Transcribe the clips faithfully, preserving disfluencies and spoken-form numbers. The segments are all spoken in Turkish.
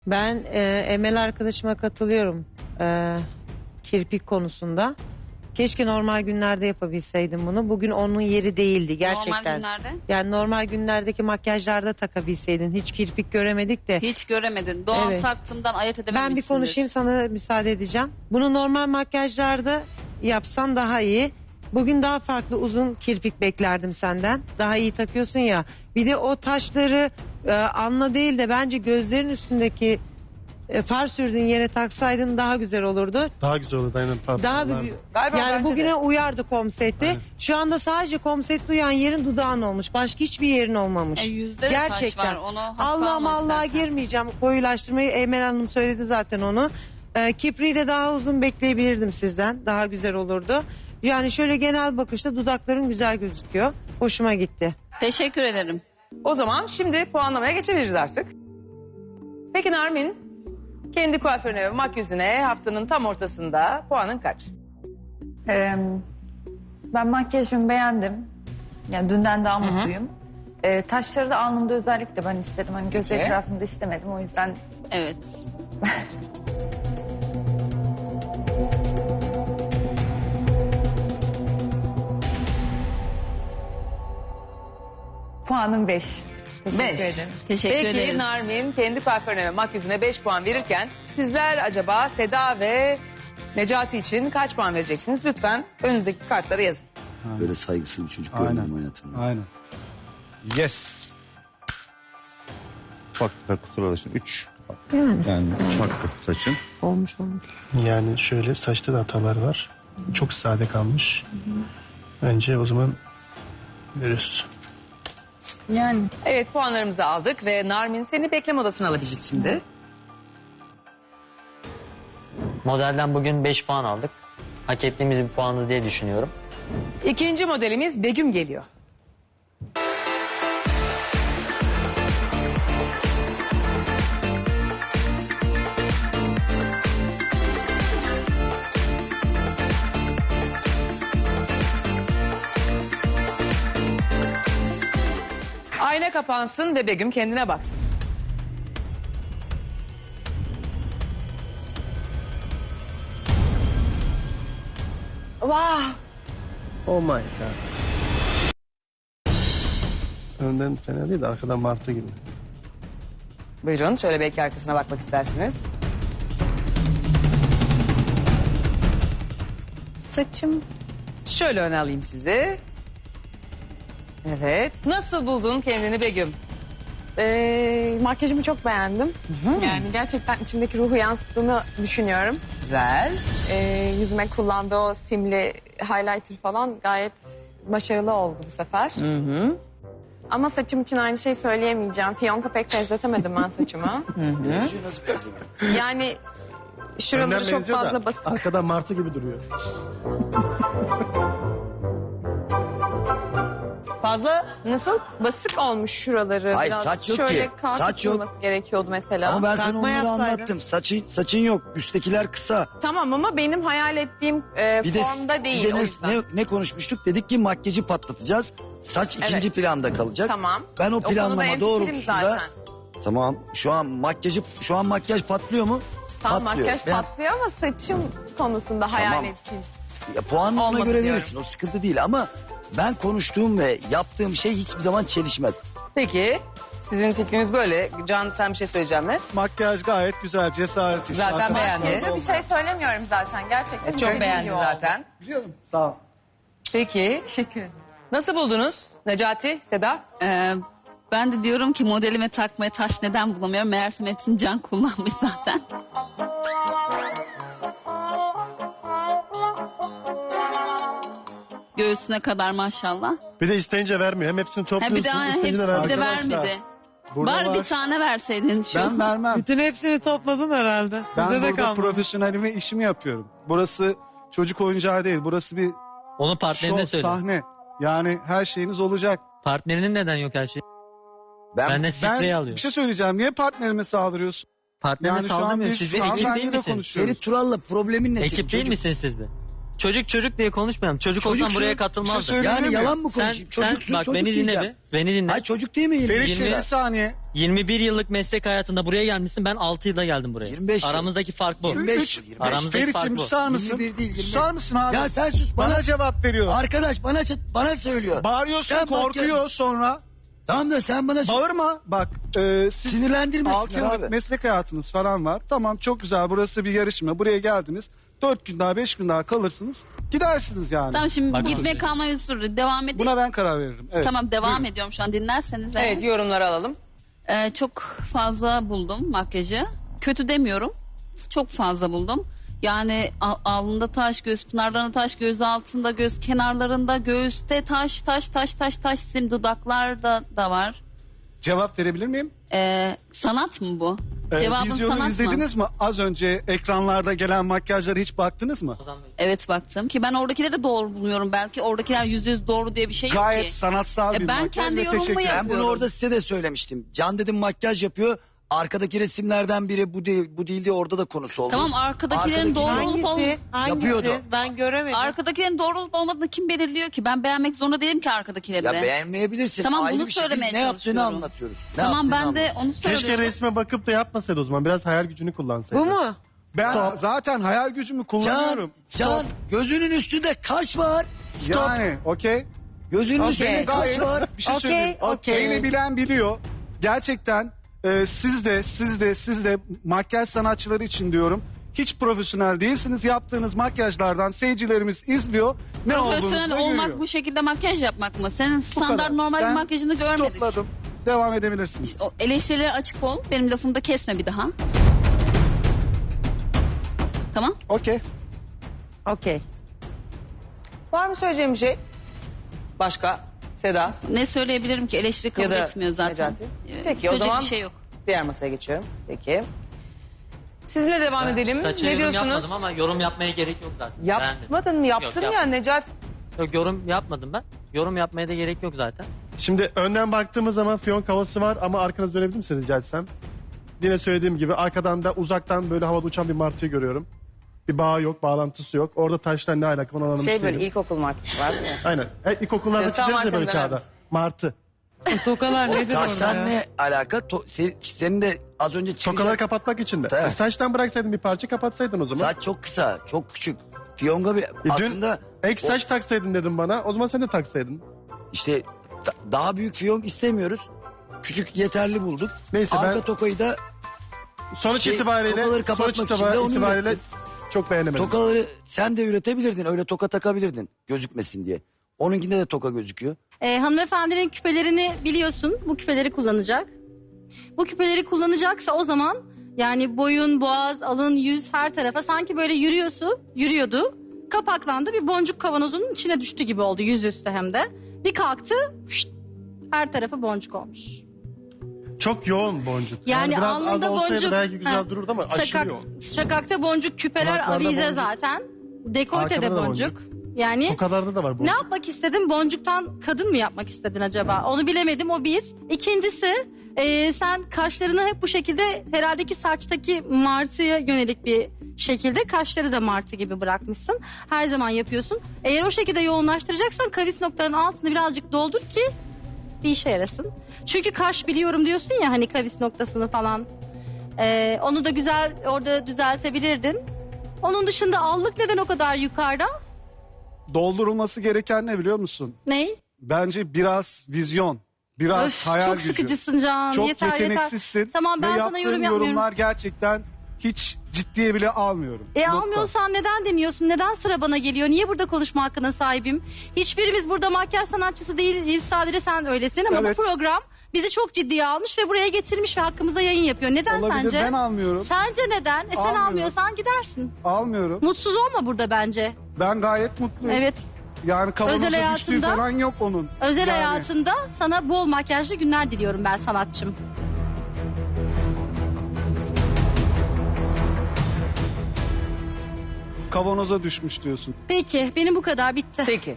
Ben e, Emel arkadaşıma katılıyorum e, kirpik konusunda. Keşke normal günlerde yapabilseydim bunu. Bugün onun yeri değildi gerçekten. Normal günlerde? Yani normal günlerdeki makyajlarda takabilseydin. Hiç kirpik göremedik de. Hiç göremedin. Doğan Evet. taktığımdan ayırt edememişsindir. Ben bir konuşayım, sana müsaade edeceğim. Bunu normal makyajlarda yapsan daha iyi. Bugün daha farklı uzun kirpik beklerdim senden. Daha iyi takıyorsun ya. Bir de o taşları e, alnına değil de bence gözlerin üstündeki e, far sürdüğün yere taksaydın daha güzel olurdu. Daha güzel olurdu aynen. Pardon. Daha bir, Galiba yani bence bugüne de. uyardı komsette. Aynen. Şu anda sadece komsette uyan yerin dudağın olmuş. Başka hiçbir yerin olmamış. E, yüzde de taş var, onu hafife Allah alma Allah'a istersen. girmeyeceğim. Koyulaştırmayı Emel Hanım söyledi zaten onu. Ee, kipriği de daha uzun bekleyebilirdim sizden. Daha güzel olurdu. Yani şöyle genel bakışta dudakların güzel gözüküyor. Hoşuma gitti. Teşekkür ederim. O zaman şimdi puanlamaya geçebiliriz artık. Peki Narmin, kendi kuaförüne ve makyözüne haftanın tam ortasında puanın kaç? Ee, ben makyajımı beğendim. Yani dünden daha mutluyum. Ee, taşları da alnımda özellikle ben istedim. Hani göz Peki. etrafımda istemedim. O yüzden Evet. puanım beş. Teşekkür Beş. ederim. Teşekkür Peki ederiz. Narmin kendi kuaförüne ve makyözüne beş puan verirken sizler acaba Seda ve Necati için kaç puan vereceksiniz? Lütfen önünüzdeki kartlara yazın. Böyle saygısız bir çocuk Aynen. görmedim hayatımda. Aynen. Yes. Ufak tefek kusur alışın. Üç. Yani Yani üç hakkı saçın. olmuş olmuş. Yani şöyle saçta da hatalar var. Çok sade kalmış. Bence o zaman veriyoruz. Yani. Evet puanlarımızı aldık ve Narmin seni bekleme odasına alabiliriz şimdi. Modelden bugün beş puan aldık. Hak ettiğimiz bir puanı diye düşünüyorum. İkinci modelimiz Begüm geliyor. Ayna kapansın ve Begüm kendine baksın. Wow. Oh my god. Önden fena değil de arkadan martı gibi. Buyurun şöyle belki arkasına bakmak istersiniz. Saçım. Şöyle öne alayım sizi. Evet. Nasıl buldun kendini Begüm? Ee, makyajımı çok beğendim. Yani gerçekten içimdeki ruhu yansıttığını düşünüyorum. Güzel. Ee, yüzüme kullandığı o simli highlighter falan gayet başarılı oldu bu sefer. Hı hı. Ama saçım için aynı şey söyleyemeyeceğim. Fiyonka pek benzetemedim ben saçımı. Benziyor, nasıl benzemiyor? Yani şuraları Önden çok benziyor da fazla basık. Arkadan martı gibi duruyor. Fazla nasıl? Basık olmuş şuraları. Hayır, Biraz saç yok şöyle ki. kalkıp Saç yok. durması gerekiyordu mesela. Ama ben sana Takma onları yapsaydın. anlattım. Saçın, saçın yok. Üsttekiler kısa. Tamam ama benim hayal ettiğim e, Bir de, formda değil bir de o ne, yüzden. ne, ne konuşmuştuk? Dedik ki makyajı patlatacağız. Saç ikinci Evet. planda kalacak. Tamam. Ben o O konuda planlama hemfikirim doğrultusunda... zaten. Tamam. Şu an makyajı şu an makyaj patlıyor mu? Tamam Patlıyor. makyaj Ben- patlıyor ama saçım konusunda hayal Tamam. ettiğim. Ya, puanını ona Olmadı göre diyorum. verirsin. O sıkıntı değil ama ben konuştuğum ve yaptığım şey hiçbir zaman çelişmez. Peki sizin fikriniz böyle. Can sen bir şey söyleyeceğim mi? Makyaj gayet güzel, cesaret işi. Zaten Arkadan- beğendi. Makyajı bir şey söylemiyorum zaten. Gerçekten Çok dediğim beğendi gibi oldu. zaten. Biliyorum. Sağ ol. Peki Teşekkür ederim. nasıl buldunuz Necati, Seda? Ee, ben de diyorum ki modelime takmaya taş neden bulamıyorum. Meğersem hepsini Can kullanmış zaten. Göğsüne kadar maşallah. Bir de isteyince vermiyor. Hem hepsini Ha, topluyorsun, bir de aynen isteyince hepsini de vermiyor. vermedi. Burada Bari var. bir tane verseydin şu. Ben vermem. Bütün hepsini topladın herhalde. Ben Bize de burada kalmadı. profesyonelimi işimi yapıyorum. Burası çocuk oyuncağı değil. Burası bir Onu partnerine şov, söyle. sahne. Yani her şeyiniz olacak. Partnerinin neden yok her şey? Ben, Ben de Ben spreyi alıyor. bir şey söyleyeceğim. Niye partnerime saldırıyorsun? Partnerine Yani şu an saldırmıyor. biz Siz bir ekip hanımefendiyle değil misiniz? konuşuyoruz. Ferit Tural'la problemin ne? senin Ekip değil çocuk? misiniz siz de? çocuk çocuk diye konuşmayalım. Çocuk olsam Çocuksun. buraya Bir şey katılmazdım. söyleyeyim Yani mi? yalan mı sen, konuşayım? sen Çocuksun, bak çocuk beni dinle diyeceğim. bir. Beni dinle. Hayır çocuk değil mi? yirmi Ferit yirmi- bir saniye. yirmi bir yıllık meslek hayatında buraya gelmişsin. Ben altı yılda geldim buraya. yirmi beş yıl. Aramızdaki fark bu. yirmi beş yıl. yirmi beş. Aramızdaki Ferit'ciğim fark bu. susar mısın? yirmi bir değil, yirmi beş. Susar mısın abi? Ya sen sus bana, Bana cevap veriyor. Arkadaş bana bana söylüyor. Bağırıyorsun, Sen bak korkuyor ya- sonra. Tamam da sen bana Bağırma. Bak e, siz Sinirlendirmesinler altı yıllık abi. meslek hayatınız falan var. Tamam çok güzel, burası bir yarışma. Buraya geldiniz. Dört gün daha beş gün daha kalırsınız. Gidersiniz yani. Tamam şimdi Bak- gitme kalma usulü devam edeyim. Buna ben karar veririm. Evet. Tamam devam Buyurun. ediyorum şu an dinlerseniz. eğer. Evet yorumları alalım. Ee, çok fazla buldum makyajı. Kötü demiyorum. Çok fazla buldum. Yani al- alnında taş, göz pınarlarında taş, göz altında, göz kenarlarında, göğüste taş, taş, taş, taş, taş, sim dudaklarda da var. Cevap verebilir miyim? Ee, sanat mı bu? Ee, Cevabın vizyonu sanat mı? izlediniz mi? Az önce ekranlarda gelen makyajlara hiç baktınız mı? Evet baktım ki ben oradakileri doğru buluyorum. Belki oradakiler yüzde yüz doğru diye bir şey yok Gayet ki. sanatsal E, bir ben makyaj kendi ve yorumumu teşekkür ederim. Ben bunu yapıyorum. orada size de söylemiştim. Can dedim makyaj yapıyor. Arkadaki resimlerden biri bu değil, bu değil diye orada da konusu oldu. Tamam, arkadakilerin doğru olup Hangisi? Hangisi? Yapıyordu. Ben göremedim. Arkadakilerin doğru olup olmadığını kim belirliyor ki? Ben beğenmek zorunda değilim ki arkadakileri Ya de. beğenmeyebilirsin. Tamam, Ayrı bunu bir şey. Biz söylemeye ne yaptığını çalışıyorum. anlatıyoruz. Ne Tamam yaptığını ben de anlatıyoruz. onu söylüyorum. Keşke resme bakıp da yapmasaydı o zaman. Biraz hayal gücünü kullansaydı. Bu mu? Ben zaten hayal gücümü Can, kullanıyorum. Can gözünün üstünde kaş var. Stop. Yani okey. Gözünün Okey. üstünde kaş Gayet var. bir şey Okey, söyleyeyim. okey. Beni bilen biliyor. Gerçekten e, siz de siz de siz de makyaj sanatçıları için diyorum. Hiç profesyonel değilsiniz. Yaptığınız makyajlardan seyircilerimiz izliyor. Ne olduğunuzu Profesyonel da olmak görüyor. bu şekilde makyaj yapmak mı? Senin Bu standart kadar. normal bir Ben makyajını görmedik. stopladım. Devam edebilirsiniz. O eleştirilere açık ol. Benim lafımı da kesme bir daha. Tamam. Okey. Okey. Var mı söyleyeceğim bir şey? Başka? Seda? Ne söyleyebilirim ki? Eleştiri kabul Ya da etmiyor zaten. Necati? Ee, Peki, o söyleyecek zaman- bir şey yok. Diğer masaya geçiyorum. Peki. Sizinle devam edelim. Saça Ne yorum diyorsunuz? yapmadım ama yorum yapmaya gerek yok zaten. Beğenmedim. Yapmadın mı? Yaptın Yok, ya yapmadım. Necati. Yok, yorum yapmadım ben. Yorum yapmaya da gerek yok zaten. Şimdi önden baktığımız zaman fiyonk havası var ama arkanızı dönebilir misiniz rica etsem? Yine söylediğim gibi arkadan da uzaktan böyle havada uçan bir martıyı görüyorum. Bir bağı yok, bağlantısı yok. Orada taşlar ne alaka onu anlamış Şey böyle değilim. ilkokul markası var değil mi? Aynen. E, ilkokullarda Evet, tam çizeriz ya böyle arkamda kağıda. veririz. Martı. Tokalar nedir orada Taştan ya? ne alaka? To- se- senin de az önce çıkacak- Tokaları kapatmak için de. Evet. E, saçtan bıraksaydın bir parça kapatsaydın o zaman. Saç çok kısa, çok küçük. Fiyonga bile E, dün aslında ek saç taksaydın dedim bana. O zaman sen de taksaydın. işte da- daha büyük fiyonk istemiyoruz. Küçük yeterli bulduk. Neyse, Arka ben- tokayı da Sonuç Şey, itibariyle tokaları kapatmak sonuç için de onu itibariyle ürettim. çok beğenemedim. tokaları sen de üretebilirdin. Öyle toka takabilirdin gözükmesin diye. Onunkinde de toka gözüküyor. Ee, hanımefendinin küpelerini biliyorsun. Bu küpeleri kullanacak. Bu küpeleri kullanacaksa o zaman yani boyun, boğaz, alın, yüz her tarafa sanki böyle yürüyorsu, yürüyordu. Kapaklandı, bir boncuk kavanozunun içine düştü gibi oldu, yüzüstü hem de. Bir kalktı, şşt, her tarafı boncuk olmuş. Çok yoğun boncuk. Yani, biraz az alnında olsaydı boncuk. belki güzel Ha, dururdu ama aşırı şakak, yoğun. şakakta boncuk, küpeler, Kulaklarda avize boncuk. zaten. Dekoltede Arkada da boncuk. Yani Tokalarda da var boncuk. ne yapmak istedin? Boncuktan kadın mı yapmak istedin acaba? Onu bilemedim, o bir. İkincisi e, sen kaşlarını hep bu şekilde herhalde ki saçtaki martıya yönelik bir şekilde kaşları da martı gibi bırakmışsın. Her zaman yapıyorsun. Eğer o şekilde yoğunlaştıracaksan kavis noktalarının altını birazcık doldur ki bir işe yarasın. Çünkü kaş biliyorum diyorsun ya hani kavis noktasını falan. E, onu da güzel orada düzeltebilirdin. Onun dışında allık neden o kadar yukarıda? Doldurulması gereken ne biliyor musun? Ney? Bence biraz vizyon. Biraz Öf, hayal çok gücü. sıkıcısın Can. Çok yeter, yeteneksizsin. Yeter. Tamam, ben Ve sana yaptığın yorum yapmıyorum. yorumlar gerçekten hiç ciddiye bile almıyorum. E Nokta. almıyorsan neden deniyorsun? Neden sıra bana geliyor? Niye burada konuşma hakkına sahibim? Hiçbirimiz burada makyaj sanatçısı değiliz. Sadece sen öylesin ama Evet. bu program bizi çok ciddiye almış ve buraya getirmiş ve hakkımızda yayın yapıyor. Neden Olabilir, sence? ben almıyorum. Sence neden? E sen Almıyorum. almıyorsan gidersin. Almıyorum. Mutsuz olma burada bence. Ben gayet mutluyum. Evet. Yani kavanoza Özel düştüğü hayatında- falan yok onun. Özel Yani hayatında sana bol makyajlı günler diliyorum ben sanatçım. Kavanoza düşmüş diyorsun. Peki benim bu kadar bitti. Peki.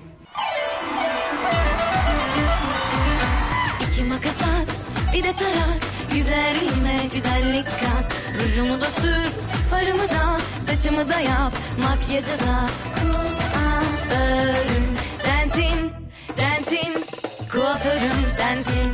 İki makas at, bir de tarak. Güzelliğime güzellik kat. Rujumu da sür, farımı da, saçımı da yap. Makyajı da kuaförüm Kuaförüm sensin, sensin. Kuaförüm sensin.